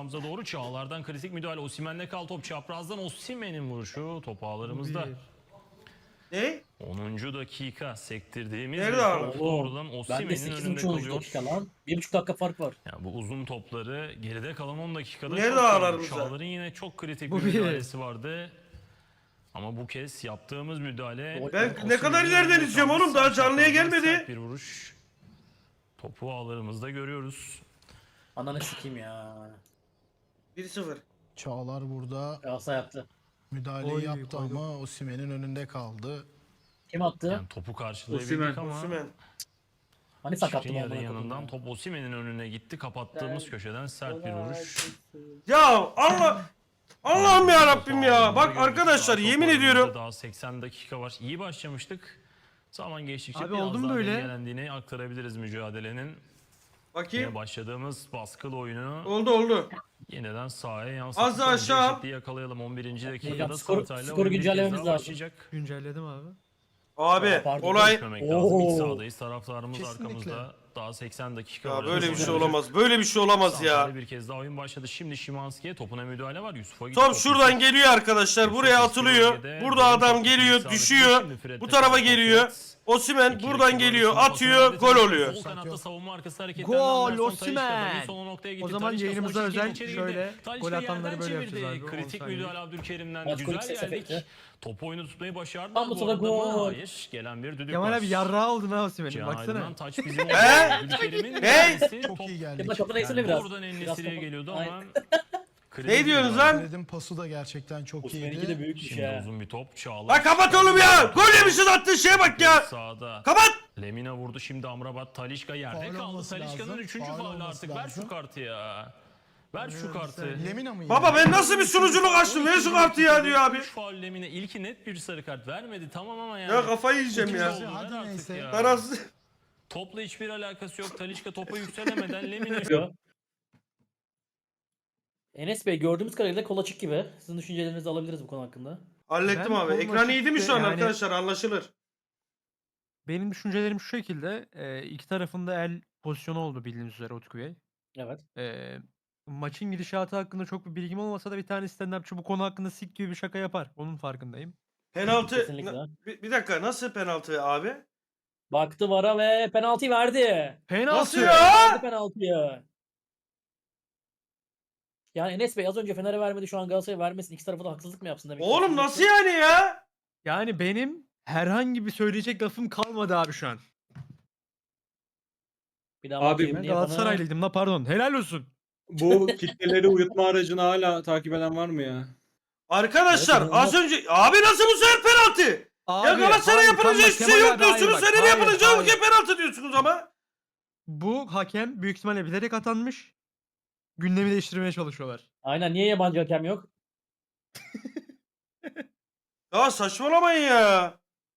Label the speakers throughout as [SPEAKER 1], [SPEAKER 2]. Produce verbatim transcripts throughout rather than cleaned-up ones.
[SPEAKER 1] sahamıza doğru. Çağlar'dan kritik müdahale. Osimhen'le kal top çaprazdan. Osimhen'in vuruşu top ağlarımızda.
[SPEAKER 2] Ne?
[SPEAKER 1] onuncu dakika sektirdiğimiz
[SPEAKER 2] Nerede
[SPEAKER 1] bir
[SPEAKER 2] abi?
[SPEAKER 1] top
[SPEAKER 3] Oğlum,
[SPEAKER 1] doğrudan
[SPEAKER 3] Ben de
[SPEAKER 1] Osimhen'in
[SPEAKER 3] sekiz
[SPEAKER 1] önünde
[SPEAKER 3] buçuk
[SPEAKER 1] kalıyor.
[SPEAKER 3] dakika lan. bir buçuk dakika fark var.
[SPEAKER 1] Yani bu uzun topları geride kalan on dakikada
[SPEAKER 2] Nerede
[SPEAKER 1] çok gördük.
[SPEAKER 2] ağlarımızda?
[SPEAKER 1] Çağlar'ın yine çok kritik
[SPEAKER 4] Bu
[SPEAKER 1] bir
[SPEAKER 4] bir.
[SPEAKER 1] müdahalesi vardı. Ama bu kez yaptığımız müdahale...
[SPEAKER 2] Ben
[SPEAKER 1] Osimhen'in
[SPEAKER 2] ne kadar ileriden
[SPEAKER 1] önünde
[SPEAKER 2] izliyorum
[SPEAKER 1] kaldı.
[SPEAKER 2] oğlum, daha
[SPEAKER 1] Sağ
[SPEAKER 2] canlıya
[SPEAKER 1] çaprazdan
[SPEAKER 2] gelmedi.
[SPEAKER 1] sert bir vuruş. Topu ağlarımızda görüyoruz.
[SPEAKER 3] Ananı sikeyim ya.
[SPEAKER 2] bir sıfır.
[SPEAKER 5] Çağlar burada
[SPEAKER 3] Galatasaray yaptı.
[SPEAKER 5] müdahaleyi
[SPEAKER 4] Oy,
[SPEAKER 5] yaptı
[SPEAKER 4] koydum.
[SPEAKER 5] ama Osimhen'in önünde kaldı.
[SPEAKER 3] Kim attı?
[SPEAKER 1] Yani topu karşılayabildik
[SPEAKER 4] Osimhen.
[SPEAKER 1] ama...
[SPEAKER 2] Osimhen.
[SPEAKER 3] Hani
[SPEAKER 1] Şikrin
[SPEAKER 3] sakattı
[SPEAKER 1] yarı
[SPEAKER 3] amına
[SPEAKER 1] yanından
[SPEAKER 3] koyayım ya.
[SPEAKER 1] top Osimhen'in önüne gitti. Kapattığımız köşeden sert bir vuruş.
[SPEAKER 2] Ya Allah Allah'ım ya Rabbim ya. Bak arkadaşlar,
[SPEAKER 1] Top
[SPEAKER 2] yemin
[SPEAKER 1] oyununda
[SPEAKER 2] ediyorum.
[SPEAKER 1] Daha seksen dakika var. İyi başlamıştık. Zaman geçtikçe
[SPEAKER 4] Abi
[SPEAKER 1] biraz
[SPEAKER 4] oldu mu
[SPEAKER 1] daha
[SPEAKER 4] böyle?
[SPEAKER 1] dengelendiğini aktarabiliriz mücadelenin. Yine
[SPEAKER 2] Bakayım.
[SPEAKER 1] başladığımız baskılı oyunu
[SPEAKER 2] Oldu oldu.
[SPEAKER 1] yeniden sahaya
[SPEAKER 2] Az
[SPEAKER 1] yansıttık.
[SPEAKER 2] da aşağı.
[SPEAKER 1] Önce eşitliği yakalayalım on birinci dakikada.
[SPEAKER 3] Hocam, skor-
[SPEAKER 1] Santa'yla
[SPEAKER 3] skoru
[SPEAKER 1] oyun bir kez
[SPEAKER 3] güncellememiz
[SPEAKER 1] daha
[SPEAKER 3] lazım.
[SPEAKER 1] başlayacak.
[SPEAKER 4] Güncelledim abi.
[SPEAKER 2] Abi
[SPEAKER 3] Pardon,
[SPEAKER 2] olay
[SPEAKER 1] Düşmemek lazım. İlk
[SPEAKER 3] Oo.
[SPEAKER 1] sahadayız. Taraftarımız
[SPEAKER 5] Kesinlikle.
[SPEAKER 1] arkamızda. Daha seksen dakika
[SPEAKER 2] ya
[SPEAKER 1] var.
[SPEAKER 2] böyle bir şey
[SPEAKER 1] Oynanacak.
[SPEAKER 2] olamaz. Böyle bir şey olamaz
[SPEAKER 1] Santa'yla
[SPEAKER 2] ya.
[SPEAKER 1] bir kez daha oyun başladı. Şimdi Szymanski'ye topuna müdahale var. Yusuf'a gitti.
[SPEAKER 2] Top şuradan geliyor arkadaşlar. Buraya atılıyor. Burada adam geliyor, düşüyor. Bu tarafa geliyor. Osimhen buradan geliyor, atıyor, gol oluyor.
[SPEAKER 1] Sol kanatta savunma arkası hareketlerinden
[SPEAKER 4] Gol,
[SPEAKER 1] Anderson
[SPEAKER 4] Osimhen.
[SPEAKER 1] Talisca'dan son noktaya gitti.
[SPEAKER 4] O zaman
[SPEAKER 1] Talisca
[SPEAKER 4] yayınımıza
[SPEAKER 1] sol çizgiden
[SPEAKER 4] özel
[SPEAKER 1] içeri
[SPEAKER 4] şöyle
[SPEAKER 1] girdi. Talisca
[SPEAKER 4] gol atanları
[SPEAKER 1] yerden
[SPEAKER 4] böyle
[SPEAKER 1] çevirdi.
[SPEAKER 4] yapacağız abi, on
[SPEAKER 1] Kritik
[SPEAKER 4] saniye.
[SPEAKER 1] müdahale Abdülkerim'den.
[SPEAKER 3] Maç
[SPEAKER 1] Güzel
[SPEAKER 3] golü ses
[SPEAKER 1] geldik.
[SPEAKER 3] efekti.
[SPEAKER 1] Topu oyunu tutmayı başardılar.
[SPEAKER 3] Tam bu
[SPEAKER 1] Bu
[SPEAKER 3] sırada
[SPEAKER 1] arada mı?
[SPEAKER 3] gol.
[SPEAKER 1] Hayır. Gelen bir düdük
[SPEAKER 4] Kemal
[SPEAKER 1] var.
[SPEAKER 4] abi yarrağı oldun ha Osimhen'in
[SPEAKER 1] Cihan
[SPEAKER 4] baksana.
[SPEAKER 1] Aydın'dan taç bizim oldu.
[SPEAKER 2] He?
[SPEAKER 1] Abdülkerim'in
[SPEAKER 2] Ne?
[SPEAKER 1] müdahalesi.
[SPEAKER 5] Çok
[SPEAKER 1] Top-
[SPEAKER 5] iyi geldik.
[SPEAKER 3] Kemal kapıda eksene
[SPEAKER 1] Yani
[SPEAKER 3] biraz.
[SPEAKER 1] Oradan
[SPEAKER 3] Biraz
[SPEAKER 1] En-Nesyri'ye
[SPEAKER 3] topu-
[SPEAKER 1] geliyordu
[SPEAKER 3] Aynen.
[SPEAKER 1] ama...
[SPEAKER 2] Ne diyorsunuz lan?
[SPEAKER 5] Fred'in pası da gerçekten çok
[SPEAKER 3] Osimhen'inki de
[SPEAKER 5] iyiydi.
[SPEAKER 3] büyükmüş
[SPEAKER 1] Şimdi
[SPEAKER 3] ya.
[SPEAKER 1] uzun bir top. Çağlar.
[SPEAKER 2] Lan kapat oğlum ya. Gol yemişiz, attığın şeye bak ya.
[SPEAKER 1] Sağda.
[SPEAKER 2] Kapat.
[SPEAKER 1] Lemina vurdu şimdi Amrabat. Talişka yerde
[SPEAKER 5] Faul
[SPEAKER 1] kaldı.
[SPEAKER 5] olması
[SPEAKER 1] Talişka'nın
[SPEAKER 5] lazım,
[SPEAKER 1] üçüncü
[SPEAKER 5] faul
[SPEAKER 1] faulü
[SPEAKER 5] olması
[SPEAKER 1] artık. Ver
[SPEAKER 5] lazım.
[SPEAKER 1] şu kartı ya. Ver şu kartı.
[SPEAKER 5] Lemina mı?
[SPEAKER 2] Baba ben nasıl bir sunuculuk açtım? Ver şu kartı ya diyor abi.
[SPEAKER 1] üç faul Lemina. İlki net bir sarı kart vermedi. Tamam ama yani.
[SPEAKER 2] Ya kafayı yiyeceğim ya.
[SPEAKER 1] İkinci oldu, ver
[SPEAKER 5] Hadi
[SPEAKER 1] artık
[SPEAKER 5] neyse.
[SPEAKER 1] ya.
[SPEAKER 2] Tarafsız.
[SPEAKER 1] Topla hiçbir alakası yok. Talişka topa yükselemeden Lemina.
[SPEAKER 3] Yo. Enes Bey, gördüğümüz kadarıyla kol açık gibi. Sizin düşüncelerinizi alabiliriz bu konu hakkında.
[SPEAKER 2] Hallettim
[SPEAKER 4] Ben
[SPEAKER 2] abi.
[SPEAKER 4] kolum
[SPEAKER 2] Ekran
[SPEAKER 4] açık
[SPEAKER 2] iyiydi mi
[SPEAKER 4] de
[SPEAKER 2] şu an
[SPEAKER 4] yani-
[SPEAKER 2] arkadaşlar? Anlaşılır.
[SPEAKER 4] Benim düşüncelerim şu şekilde. E, iki tarafında el pozisyonu oldu bildiğiniz üzere Utku Bey.
[SPEAKER 3] Evet.
[SPEAKER 4] E, maçın gidişatı hakkında çok bir bilgim olmasa da bir tane stand-upçı bu konu hakkında sik gibi bir şaka yapar. Onun farkındayım.
[SPEAKER 2] Penaltı.
[SPEAKER 3] Kesinlikle.
[SPEAKER 2] Na- Bir, bir dakika, nasıl penaltı abi?
[SPEAKER 3] Baktı vara ve penaltıyı verdi.
[SPEAKER 4] Penaltı!
[SPEAKER 2] Nasıl ya?
[SPEAKER 3] Verdi penaltıyı. Yani Enes Bey az önce Fener'e vermedi, şu an Galatasaray'a vermesin. İki tarafa da haksızlık mı yapsın demek
[SPEAKER 2] Oğlum
[SPEAKER 3] istiyorsunuz?
[SPEAKER 2] nasıl yani ya?
[SPEAKER 4] Yani benim herhangi bir söyleyecek lafım kalmadı abi şu an.
[SPEAKER 3] Bir daha
[SPEAKER 6] Abi,
[SPEAKER 3] bakayım
[SPEAKER 4] Ben
[SPEAKER 3] ne yapana-
[SPEAKER 4] Galatasaraylıydım la pardon. Helal olsun.
[SPEAKER 6] Bu kitleleri uyutma aracını hala takip eden var mı ya?
[SPEAKER 2] Arkadaşlar
[SPEAKER 3] Evet,
[SPEAKER 2] az önce abi nasıl bu sefer penaltı? ya Galatasaray
[SPEAKER 4] hayır,
[SPEAKER 2] yapılınca
[SPEAKER 4] tamam,
[SPEAKER 2] hiçbir şey
[SPEAKER 4] Kemal
[SPEAKER 2] yok
[SPEAKER 4] abi, hayır
[SPEAKER 2] diyorsunuz.
[SPEAKER 4] bak,
[SPEAKER 2] Senin
[SPEAKER 4] hayır,
[SPEAKER 2] yapılınca
[SPEAKER 4] hayır.
[SPEAKER 2] ülke penaltı diyorsunuz ama.
[SPEAKER 4] Bu hakem büyük ihtimalle bilerek atanmış. Gündemi değiştirmeye çalışıyorlar.
[SPEAKER 3] Aynen, niye yabancı hakem yok?
[SPEAKER 2] Ya saçmalamayın ya.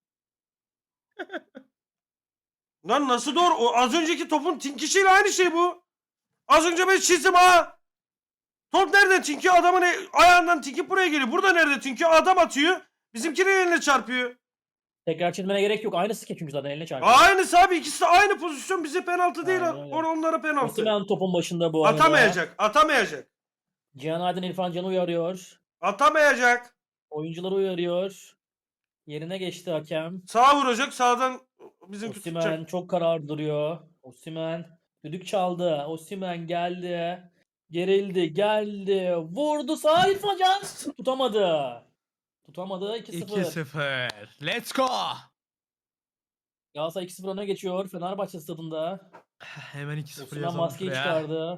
[SPEAKER 2] Lan nasıl doğru? O az önceki topun tinkişiyle aynı şey bu. Az önce ben çizdim ha. Top nereden tinki? Adamın e- ayağından tinki buraya geliyor. Burada nerede tinki? Adam atıyor. Bizimkinin eline çarpıyor.
[SPEAKER 3] Tekrar çizmene gerek yok. Aynısı ki çünkü zaten eline çarpıyor.
[SPEAKER 2] Aynısı abi, ikisi de aynı pozisyon, bize penaltı değil.
[SPEAKER 3] Aynen öyle.
[SPEAKER 2] Or onlara penaltı.
[SPEAKER 3] Osimhen topun başında bu arada.
[SPEAKER 2] Atamayacak. Atamayacak.
[SPEAKER 3] Cihan Aydın İrfan Can'ı uyarıyor.
[SPEAKER 2] Atamayacak.
[SPEAKER 3] Oyuncuları uyarıyor. Yerine geçti hakem.
[SPEAKER 2] Sağa vuracak. Sağdan bizimki tutacak.
[SPEAKER 3] Osimhen çok kararlı duruyor. Osimhen düdük çaldı. Osimhen geldi. Gerildi, geldi. Vurdu sağ İrfan Can. Tutamadı. Tutamadı. iki sıfır.
[SPEAKER 4] iki sıfır. Let's go.
[SPEAKER 3] Galatasaray iki sıfır öne geçiyor Fenerbahçe stadında.
[SPEAKER 4] Hemen iki sıfır
[SPEAKER 3] Osimhen
[SPEAKER 4] yazalım
[SPEAKER 3] maskeyi
[SPEAKER 4] şuraya.
[SPEAKER 3] çıkardı.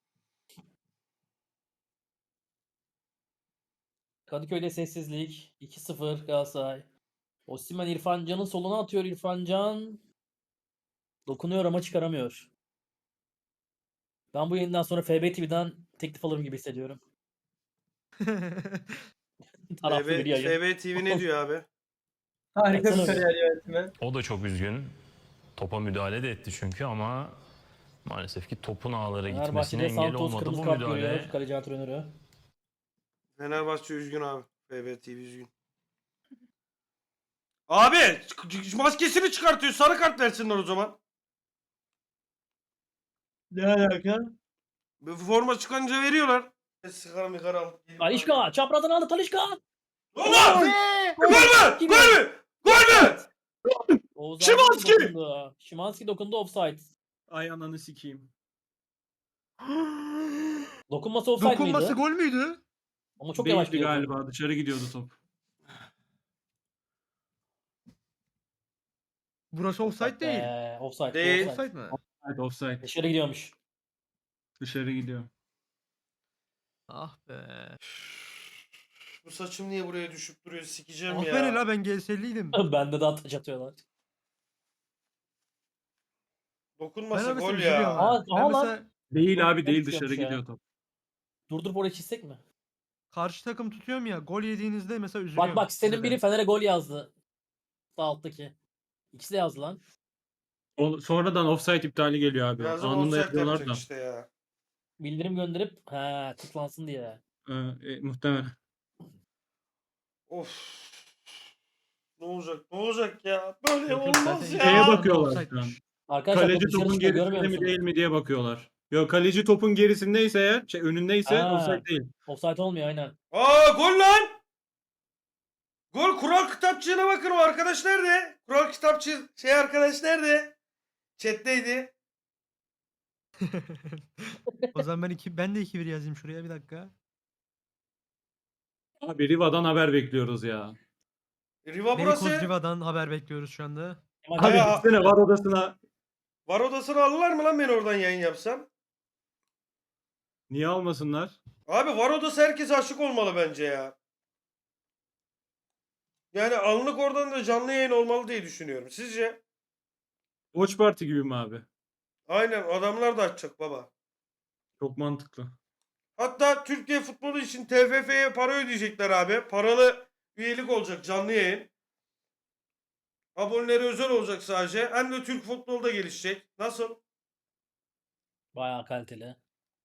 [SPEAKER 3] Kadıköy'de sessizlik. iki sıfır Galatasaray. Osimhen İrfan Can'ın soluna atıyor. İrfan Can dokunuyor ama çıkaramıyor. Ben bu yayından sonra F B T V'den teklif alırım gibi hissediyorum. Taraflı bir yayın.
[SPEAKER 2] F B T V ne diyor abi?
[SPEAKER 7] Harika bir
[SPEAKER 3] Baksana bir.
[SPEAKER 7] kariyer yönetimi.
[SPEAKER 1] O da çok üzgün. Topa müdahale de etti çünkü ama maalesef ki topun ağlara gitmesine
[SPEAKER 3] Fenerbahçe'de
[SPEAKER 1] engel
[SPEAKER 3] Santos
[SPEAKER 1] olmadı
[SPEAKER 3] kırmızı
[SPEAKER 1] bu
[SPEAKER 3] kart
[SPEAKER 1] müdahale.
[SPEAKER 3] görüyor. Kaleci antrenörü.
[SPEAKER 2] Fenerbahçe üzgün abi. F B T V üzgün. Abi ç- maskesini çıkartıyor. Sarı kart versinler o zaman.
[SPEAKER 7] Ne alaka?
[SPEAKER 2] Bu forma çıkınca veriyorlar. Ben sigara migara alıp geleyim.
[SPEAKER 3] Talişka çaprazdan aldı Talişka.
[SPEAKER 2] Allah! Gol mü?
[SPEAKER 3] Kim?
[SPEAKER 2] Gol mü? Gol mü?
[SPEAKER 3] Oğuz
[SPEAKER 6] Szymanski!
[SPEAKER 3] Aydın dokundu. Szymanski dokundu, offside.
[SPEAKER 6] Ay ananı sikeyim.
[SPEAKER 3] Dokunması offside
[SPEAKER 4] Dokunması
[SPEAKER 3] miydi?
[SPEAKER 4] gol müydü?
[SPEAKER 3] Ama çok yavaş
[SPEAKER 6] Değildi
[SPEAKER 3] gidiyor.
[SPEAKER 6] galiba. Dışarı gidiyordu top.
[SPEAKER 4] Burası offside değil.
[SPEAKER 3] Ee, offside.
[SPEAKER 2] Değil.
[SPEAKER 3] Offside.
[SPEAKER 4] Offside mi?
[SPEAKER 6] Evet offside.
[SPEAKER 3] Dışarı gidiyormuş.
[SPEAKER 6] Dışarı gidiyor.
[SPEAKER 4] Ah be.
[SPEAKER 2] Bu saçım niye buraya düşüp duruyor? Sikeceğim
[SPEAKER 4] Aferin
[SPEAKER 2] ya.
[SPEAKER 4] la ben G S'liydim.
[SPEAKER 3] Bende de ataç atıyorlar.
[SPEAKER 4] Ben
[SPEAKER 2] Dokunmasa
[SPEAKER 4] mesela
[SPEAKER 2] gol
[SPEAKER 4] üzülüyorum
[SPEAKER 2] ya.
[SPEAKER 4] ha.
[SPEAKER 3] Aa,
[SPEAKER 4] Ben
[SPEAKER 3] aha lan.
[SPEAKER 4] mesela
[SPEAKER 6] Değil abi
[SPEAKER 3] Çok
[SPEAKER 6] değil
[SPEAKER 3] garip
[SPEAKER 6] dışarı
[SPEAKER 3] yapmış ya.
[SPEAKER 6] gidiyor top.
[SPEAKER 3] Durdurup oraya çizsek mi?
[SPEAKER 4] karşı takım tutuyorum ya gol yediğinizde mesela üzülüyorum.
[SPEAKER 3] Bak bak senin
[SPEAKER 4] size de.
[SPEAKER 3] biri Fener'e gol yazdı. Sağ alttaki. İkisi de yazdı lan.
[SPEAKER 6] O, sonradan offside iptali geliyor abi.
[SPEAKER 2] Birazdan
[SPEAKER 6] Anında
[SPEAKER 2] offside
[SPEAKER 6] yapıyorlar
[SPEAKER 2] yapacak
[SPEAKER 6] da.
[SPEAKER 2] işte ya.
[SPEAKER 3] Bildirim gönderip ha tıklansın diye.
[SPEAKER 6] Ee, e, muhtemelen.
[SPEAKER 2] Of. Ne olacak? Ne olacak ya? Böyle
[SPEAKER 4] Yok, yok,
[SPEAKER 2] olmaz
[SPEAKER 4] zaten
[SPEAKER 2] ya.
[SPEAKER 6] Şeye
[SPEAKER 4] Ya,
[SPEAKER 6] bakıyorlar şu an.
[SPEAKER 4] offside'miş.
[SPEAKER 3] Arkadaşlar
[SPEAKER 6] Kaleci
[SPEAKER 3] top dışarı
[SPEAKER 6] topun
[SPEAKER 3] çıkıyor, görmüyor
[SPEAKER 6] gerisinde mi
[SPEAKER 3] musun?
[SPEAKER 6] değil mi diye bakıyorlar. Yok kaleci topun gerisindeyse eğer, şey önündeyse
[SPEAKER 3] Ha.
[SPEAKER 6] offside değil.
[SPEAKER 3] Offside olmuyor aynen.
[SPEAKER 2] Aa gol lan. Gol kural kitapçığına bakın, o arkadaş nerede? Kural kitapçı şey arkadaş nerede? Chat'teydi.
[SPEAKER 4] O zaman ben iki ben de iki bir yazayım şuraya bir dakika.
[SPEAKER 6] Abi Riva'dan haber bekliyoruz ya.
[SPEAKER 2] Riva
[SPEAKER 4] Beykoz
[SPEAKER 2] burası.
[SPEAKER 4] Riva'dan haber bekliyoruz şu anda.
[SPEAKER 3] Kemal
[SPEAKER 6] Abi
[SPEAKER 2] Ya-
[SPEAKER 6] gitsene var odasına.
[SPEAKER 2] Var odasını alırlar mı lan ben oradan yayın yapsam?
[SPEAKER 6] Niye almasınlar?
[SPEAKER 2] Abi var odası herkese aşık olmalı bence ya. Yani anlık oradan da canlı yayın olmalı diye düşünüyorum. Sizce?
[SPEAKER 6] Watch Party gibi mi abi?
[SPEAKER 2] Aynen, adamlar da açacak baba.
[SPEAKER 6] Çok mantıklı.
[SPEAKER 2] Hatta Türkiye futbolu için T F F'ye para ödeyecekler abi. Paralı üyelik olacak, canlı yayın. Aboneleri özel olacak sadece. Hem de Türk futbolu da gelişecek. Nasıl?
[SPEAKER 3] bayağı kaliteli.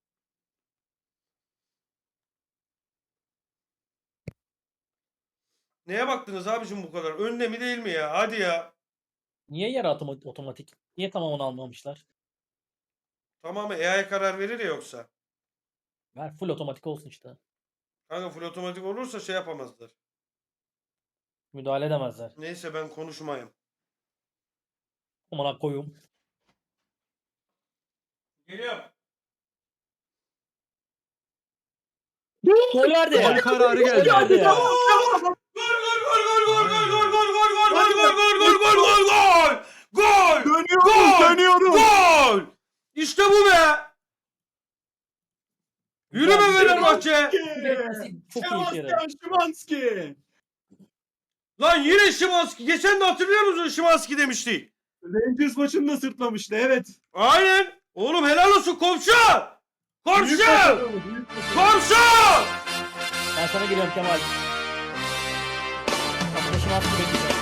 [SPEAKER 2] Neye baktınız abicim bu kadar? Önde mi değil mi ya? Hadi ya.
[SPEAKER 3] Niye yarı atoma- otomatik? Niye tamamını almamışlar?
[SPEAKER 2] Tamamı A I karar verir ya yoksa.
[SPEAKER 3] Ver full otomatik olsun işte.
[SPEAKER 2] Kanka full otomatik olursa şey yapamazlar.
[SPEAKER 3] Müdahale edemezler.
[SPEAKER 2] Neyse ben konuşmayayım.
[SPEAKER 3] Amına koyum.
[SPEAKER 2] Geliyorum.
[SPEAKER 3] Gol verdi.
[SPEAKER 4] Gol kararı geldi.
[SPEAKER 3] Gol verdi ya.
[SPEAKER 2] Gol gol gol gol gol gol gol gol gol gol gol gol gol gol gol gol gol. Gol.
[SPEAKER 6] Dönüyoruz
[SPEAKER 2] Gol!
[SPEAKER 6] dönüyoruz.
[SPEAKER 2] Gol. İşte bu be. Yürü be Fenerbahçe.
[SPEAKER 3] Çok iyi kere.
[SPEAKER 6] Sebastian Szymanski.
[SPEAKER 2] Lan yine Szymanski. Geçen de hatırlıyor musun Szymanski demiştik.
[SPEAKER 6] Rangers maçını da sırtlamıştı evet.
[SPEAKER 2] Aynen. Oğlum helal olsun komşu. Komşu.
[SPEAKER 6] Büyük başarı, büyük başarı.
[SPEAKER 2] Komşu.
[SPEAKER 3] Ben sana geliyorum Kemal. Arkadaşım attı bekleyeceğim.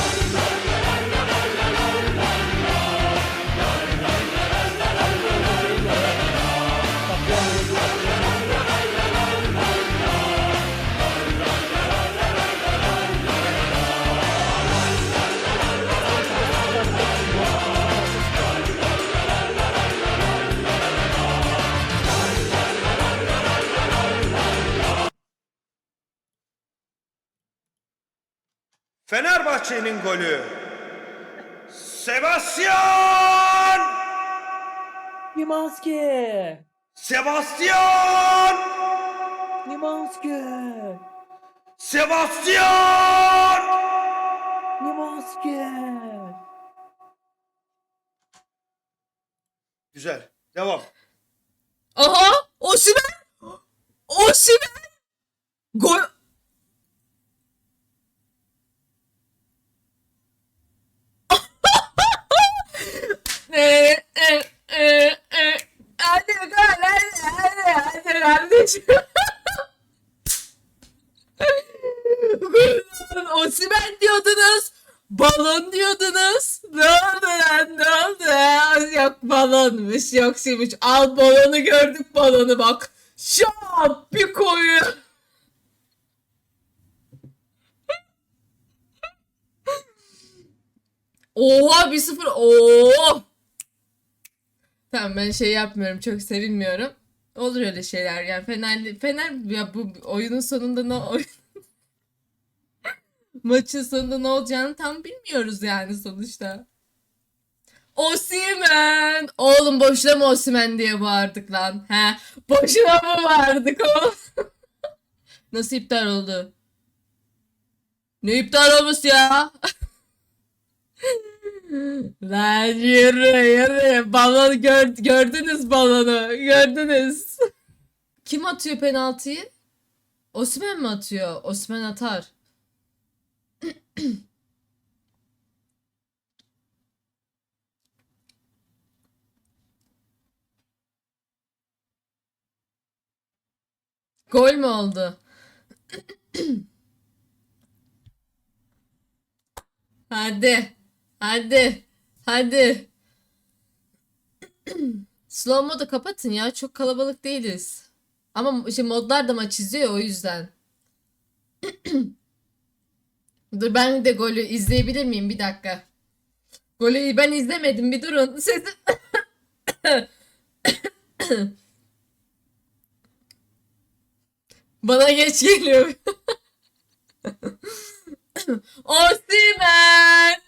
[SPEAKER 2] Fenerbahçe'nin golü. Sebastian.
[SPEAKER 3] Szymanski!
[SPEAKER 2] Sebastian.
[SPEAKER 3] Szymanski!
[SPEAKER 2] Sebastian.
[SPEAKER 3] Szymanski!
[SPEAKER 2] Güzel. Devam.
[SPEAKER 7] Aha! Osimhen! Osimhen! Gol... E, e, e, e. Hadi gol, hadi, hadi, hadi kardeşim. Gol, Osimhen diyordunuz. Balon diyordunuz. Ne oldu lan, ne oldu ya? Yok balonmuş, yok şeymiş. Al balonu, gördük balonu bak. Şap bir koyu. Oha bir sıfır. Oo. Tamam ben şey yapmıyorum. Çok sevinmiyorum. Olur öyle şeyler yani. Fener, Fener ya bu oyunun sonunda ne oy- maçın sonunda ne olacağını tam bilmiyoruz yani sonuçta. Osimhen! Oğlum boşuna mı Osimhen diye bağırdık lan? He? Boşuna mı bağırdık oğlum? Nasıl iptal oldu? Ne iptal olması ya? Lan yürü yürü. Balon gör, gördünüz balonu. Gördünüz. Kim atıyor penaltıyı? Osimhen mi atıyor? Osimhen atar. Gol mü oldu? Hadi. Hadi. Hadi. Slow modu kapatın ya. Çok kalabalık değiliz. Ama işte modlar da maç izliyor o yüzden. Dur ben de golü izleyebilir miyim? Bir dakika. Golü ben izlemedim. Bir durun. Sesim... Bana geç geliyor. Osimhen.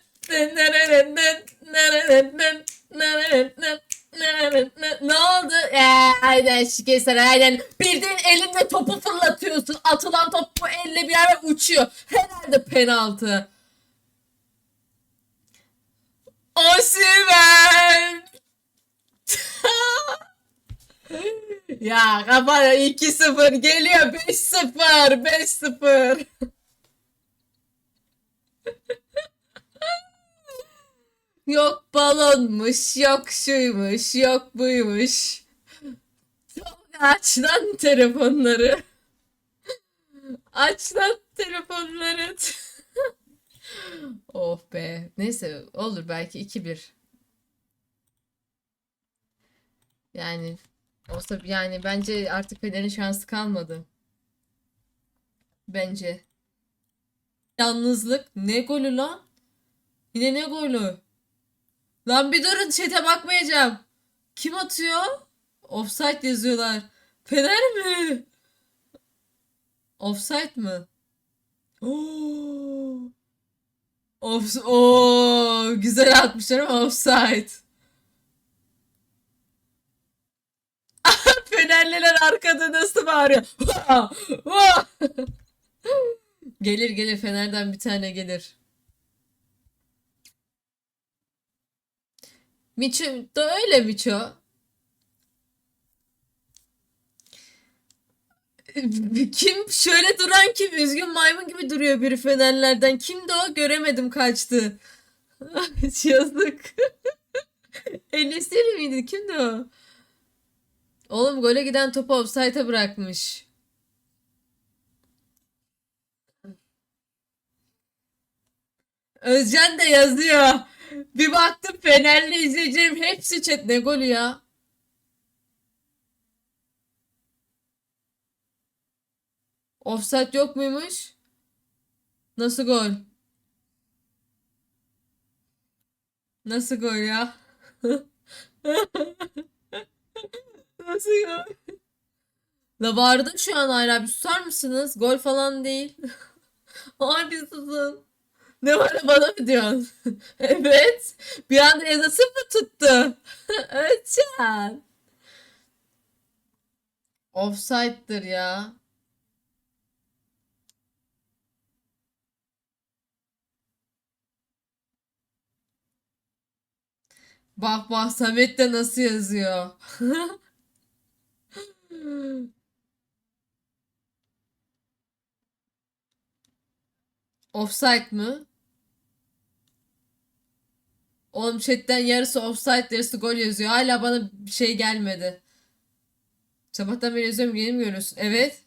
[SPEAKER 7] Ne oldu? Ee, aynen şikeser aynen. Bildiğin elinde topu fırlatıyorsun. Atılan top bu elle bir yere uçuyor. Herhalde penaltı. Osimhen. Ya kafana iki sıfır geliyor. beş sıfır. beş sıfır. Yok balonmuş, yok şuymuş, yok buymuş. Aç lan telefonları. Aç lan telefonları. Oh be. Neyse olur belki iki bir. Yani olsa yani bence artık Fener'in şansı kalmadı. Bence. Yalnızlık. Ne golü lan? Yine ne golü? Lan bir durun chat'e bakmayacağım. Kim atıyor? Offside yazıyorlar. Fener mi? Offside mı? Oo. Off Oo, güzel atmışlar ama offside. Fenerliler arkada nasıl bağırıyor? Gelir gelir Fener'den bir tane gelir. Miço da öyle Miço. Kim şöyle duran kim? Üzgün maymun gibi duruyor biri Fenerlerden. Kimdi o? Göremedim kaçtı. Yazık. Enesiri miydi? Kimdi o? Oğlum gole giden topu offside'a bırakmış. Özcan da yazıyor. Bir baktım Fenerli izleyicilerim hepsi chat. Ne golü ya? Offside yok muymuş? Nasıl gol? Nasıl gol ya? Nasıl gol? La vardım şu an hala bir susar mısınız? Gol falan değil. Ay bir susun. Ne var da bana mı diyorsun? Evet. Bir anda yazısı mı tuttu? Özcan. Offside'dır ya. Bak bak Samet de nasıl yazıyor. Offside mı? Oğlum chatten yarısı offside yarısı gol yazıyor. Hala bana bir şey gelmedi. Sabahtan beri yazıyorum yeni mi görüyorsun? Evet.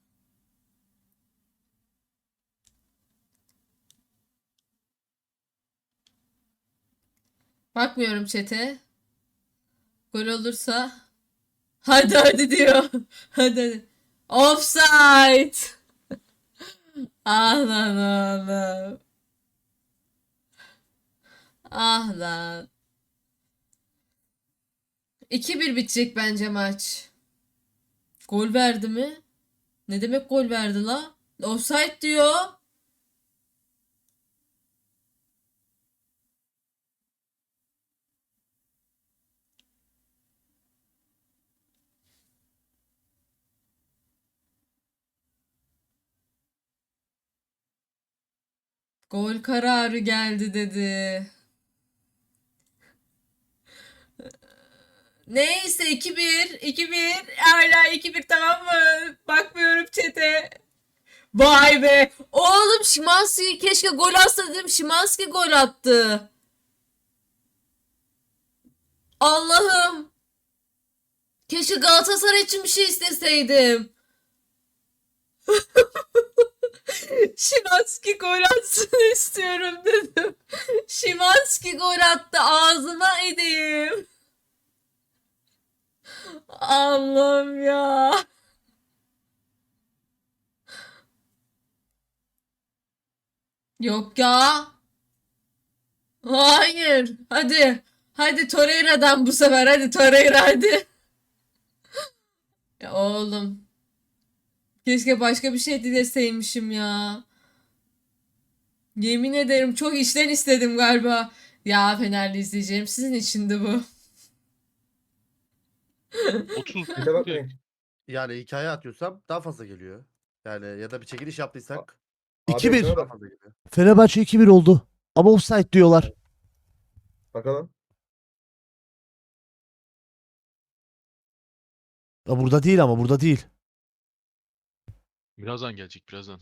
[SPEAKER 7] Bakmıyorum chat'e. Gol olursa. Hadi hadi diyor. Hadi hadi. Offside. Ah lan oğlum. Ah lan. iki bir bitecek bence maç. Gol verdi mi? Ne demek gol verdi la? Offside diyor. Gol kararı geldi dedi. Neyse iki bir. iki bir. Hala iki bir, tamam mı? Bakmıyorum chat'e. Vay be. Oğlum Szymański keşke gol atsa dedim. Szymański gol attı. Allah'ım. Keşke Galatasaray için bir şey isteseydim. Szymański gol atsın istiyorum dedim. Szymański gol attı. Ağzıma edeyim. Allah'ım ya. Yok ya. Hayır. Hadi. Hadi Torreira'dan bu sefer. Hadi Torreira hadi. Ya oğlum. Keşke başka bir şey dileseymişim ya. Yemin ederim çok içten istedim galiba. Ya Fenerli izleyeceğim. Sizin içindi bu.
[SPEAKER 8] otuz
[SPEAKER 9] Bir de bakmayın. Yani hikaye atıyorsam daha fazla geliyor. Yani ya da bir çekiliş yaptıysak
[SPEAKER 10] iki bir.
[SPEAKER 9] daha fazla geliyor.
[SPEAKER 10] Fenerbahçe iki bir oldu. Ama offside diyorlar.
[SPEAKER 9] Bakalım.
[SPEAKER 10] Ya burada değil ama burada değil.
[SPEAKER 8] birazdan gelecek birazdan.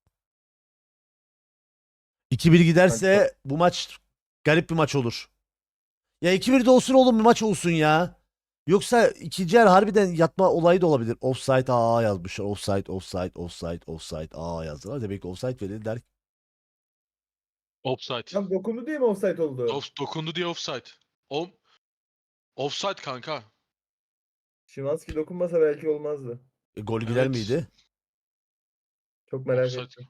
[SPEAKER 10] iki bir giderse bu maç garip bir maç olur. Ya iki bir de olsun oğlum, bir maç olsun ya. Yoksa ikinci yer harbiden yatma olayı da olabilir. Offside aa yazmışlar. Offside, offside, offside, offside aa yazdılar. Demek ki offside verildi der.
[SPEAKER 8] Offside.
[SPEAKER 9] Tam dokundu diye mi offside oldu?
[SPEAKER 8] Off, dokundu diye offside. O offside kanka.
[SPEAKER 9] Szymański dokunmasa belki olmazdı.
[SPEAKER 10] E, gol gider
[SPEAKER 8] Evet.
[SPEAKER 10] miydi?
[SPEAKER 9] Çok
[SPEAKER 8] Offside.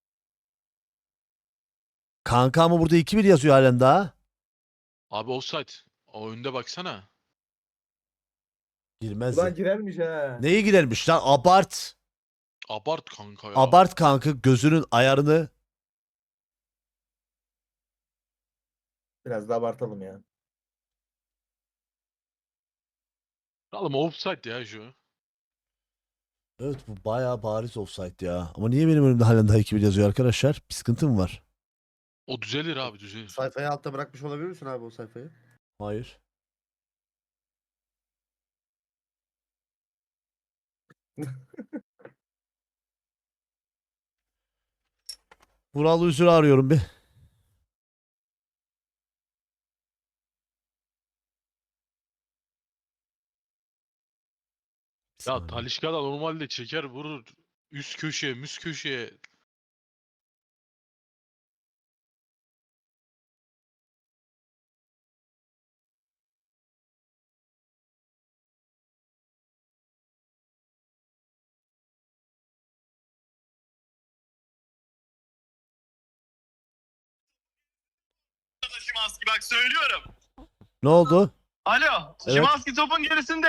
[SPEAKER 10] Kanka ama burada iki bir yazıyor halen daha.
[SPEAKER 8] Abi offside. O önde baksana.
[SPEAKER 10] Girmez.
[SPEAKER 9] Ulan girermiş ha.
[SPEAKER 10] Neye girermiş lan? Abart.
[SPEAKER 8] Abart kanka ya.
[SPEAKER 10] Abart kanka gözünün ayarını.
[SPEAKER 9] Biraz da abartalım ya.
[SPEAKER 8] Oğlum offside ya şu.
[SPEAKER 10] Evet bu bayağı bariz offside ya. Ama niye benim önümde halen daha iki bir yazıyor arkadaşlar? Bir sıkıntı mı var?
[SPEAKER 8] O düzelir abi düzelir.
[SPEAKER 9] Sayfayı altta bırakmış olabilir misin abi o sayfayı?
[SPEAKER 10] Hayır. Vural Üzül'ü arıyorum bir. Bir
[SPEAKER 8] Ya
[SPEAKER 10] saniye.
[SPEAKER 8] Talisca da normalde çeker vurur. Üst köşeye, müst köşeye.
[SPEAKER 11] Szymański bak söylüyorum.
[SPEAKER 10] Ne oldu?
[SPEAKER 11] Alo.
[SPEAKER 10] Evet.
[SPEAKER 11] Szymański topun gerisinde.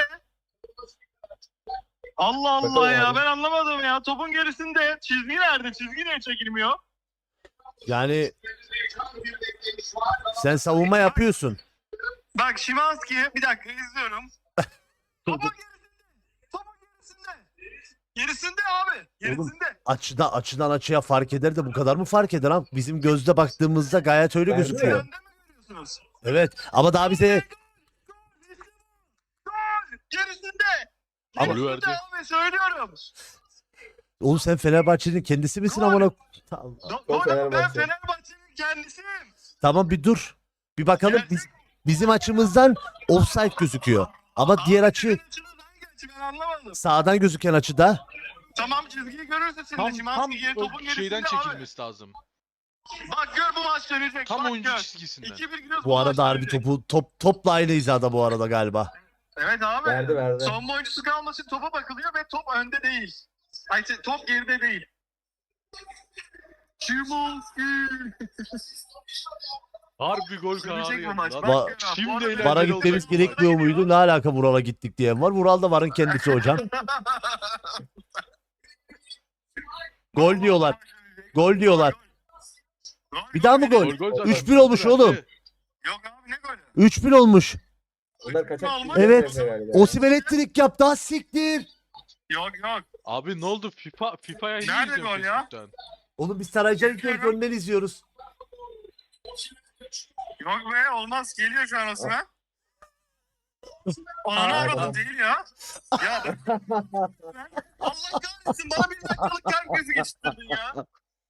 [SPEAKER 11] Allah Allah
[SPEAKER 9] Bakalım
[SPEAKER 11] ya
[SPEAKER 9] abi.
[SPEAKER 11] ben anlamadım ya. Topun gerisinde. Çizgi nerede? Çizgi niye çekilmiyor?
[SPEAKER 10] Yani sen savunma yapıyorsun.
[SPEAKER 11] Bak Szymański bir dakika izliyorum. Topun gerisinde. Topun gerisinde. Gerisinde abi. Gerisinde.
[SPEAKER 10] Açıda açıdan açıya fark eder de bu kadar mı fark eder ha? Bizim gözle baktığımızda gayet öyle
[SPEAKER 9] Bence
[SPEAKER 10] gözüküyor.
[SPEAKER 11] Önde mi görüyorsunuz?
[SPEAKER 10] Evet ama daha bize
[SPEAKER 11] Gol. Gerisinde.
[SPEAKER 10] Ama-
[SPEAKER 8] Golü
[SPEAKER 11] Gerisinde
[SPEAKER 8] verdi.
[SPEAKER 11] abi söylüyorum.
[SPEAKER 10] oğlum sen Fenerbahçe'nin kendisi misin amına? Tamam.
[SPEAKER 11] Do-
[SPEAKER 9] Gol
[SPEAKER 11] Gol ben
[SPEAKER 9] Fenerbahçe.
[SPEAKER 11] Fenerbahçe'nin kendisiyim.
[SPEAKER 10] Tamam bir dur. Bir bakalım biz, bizim açımızdan offside gözüküyor. Ama diğer açı
[SPEAKER 11] Senin açınız hangi açı ben anlamadım.
[SPEAKER 10] sağdan gözüken açıda.
[SPEAKER 11] Tamam çizgiyi görürsün şimdi.
[SPEAKER 8] Tam,
[SPEAKER 11] Szymański
[SPEAKER 8] tam
[SPEAKER 11] geri
[SPEAKER 8] o
[SPEAKER 11] topun
[SPEAKER 8] şeyden
[SPEAKER 11] gerisinde abi.
[SPEAKER 8] çekilmesi lazım.
[SPEAKER 11] Bak gör bu maç dönecek.
[SPEAKER 8] Tam
[SPEAKER 11] bak
[SPEAKER 8] oyuncu
[SPEAKER 11] gör.
[SPEAKER 8] çizgisinden.
[SPEAKER 11] iki bir gidiyoruz,
[SPEAKER 10] Bu arada
[SPEAKER 11] maç
[SPEAKER 10] harbi
[SPEAKER 11] dönecek.
[SPEAKER 10] topu top topla aynı hizada bu arada galiba.
[SPEAKER 11] Evet abi.
[SPEAKER 9] Verdi verdi.
[SPEAKER 11] Savunma oyuncusu kalmasın topa bakılıyor ve top önde değil. Ay şey, top geride değil. Szymański.
[SPEAKER 8] Harbi gol kararı
[SPEAKER 11] Sürecek bu
[SPEAKER 8] geldi
[SPEAKER 11] maç.
[SPEAKER 8] lan.
[SPEAKER 11] Bak
[SPEAKER 10] Va-
[SPEAKER 11] ya,
[SPEAKER 8] Şimdi
[SPEAKER 11] bu arada-
[SPEAKER 8] eğlenceli
[SPEAKER 10] Vara
[SPEAKER 8] olacak
[SPEAKER 10] gitmemiz
[SPEAKER 8] bu arada.
[SPEAKER 10] gerekmiyor muydu? Ne alaka Vural'a gittik diyen var. Vural da Var'ın kendisi hocam. Gol diyorlar. Gol diyorlar. Bir daha mı gol?
[SPEAKER 8] Gol, gol zaten.
[SPEAKER 10] üç bir olmuş oğlum.
[SPEAKER 11] Yok abi ne golü?
[SPEAKER 10] üç bir olmuş.
[SPEAKER 11] Onlar kaçak.
[SPEAKER 10] Evet. Osimhen hat-trick yaptı. Ha siktir.
[SPEAKER 11] Yok yok.
[SPEAKER 8] Abi ne oldu? FIFA FIFA'ya
[SPEAKER 11] Nerede
[SPEAKER 8] yiyeceğim
[SPEAKER 11] gol ya?
[SPEAKER 8] Facebook'tan.
[SPEAKER 10] Oğlum biz Saraycan ilk önleri izliyoruz.
[SPEAKER 11] Yok be olmaz. Geliyor şu an Osman. Ananı avradım değil ya. Ya ben... Allah kahretsin bana bir dakikalık kalp krizi geçirdin ya.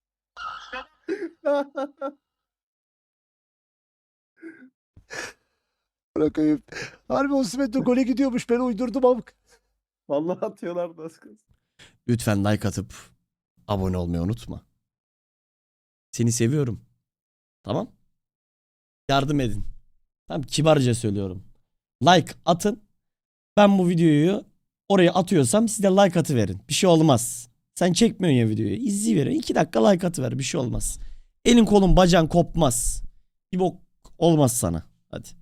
[SPEAKER 10] Bırakayım. Harbi Osimhen de gole gidiyormuş. Ben uydurdum amk.
[SPEAKER 9] Vallahi atıyorlar da az kalsın.
[SPEAKER 12] Lütfen like atıp abone olmayı unutma. Seni seviyorum. Tamam? Yardım edin. Tamam, kibarca söylüyorum. Like atın. Ben bu videoyu oraya atıyorsam siz de like atıverin. Bir şey olmaz. Sen çekmiyorsun ya videoyu. İzleyiverin. iki dakika like atıver. Bir şey olmaz. Elin kolun bacağın kopmaz. Bir bok olmaz sana. Hadi.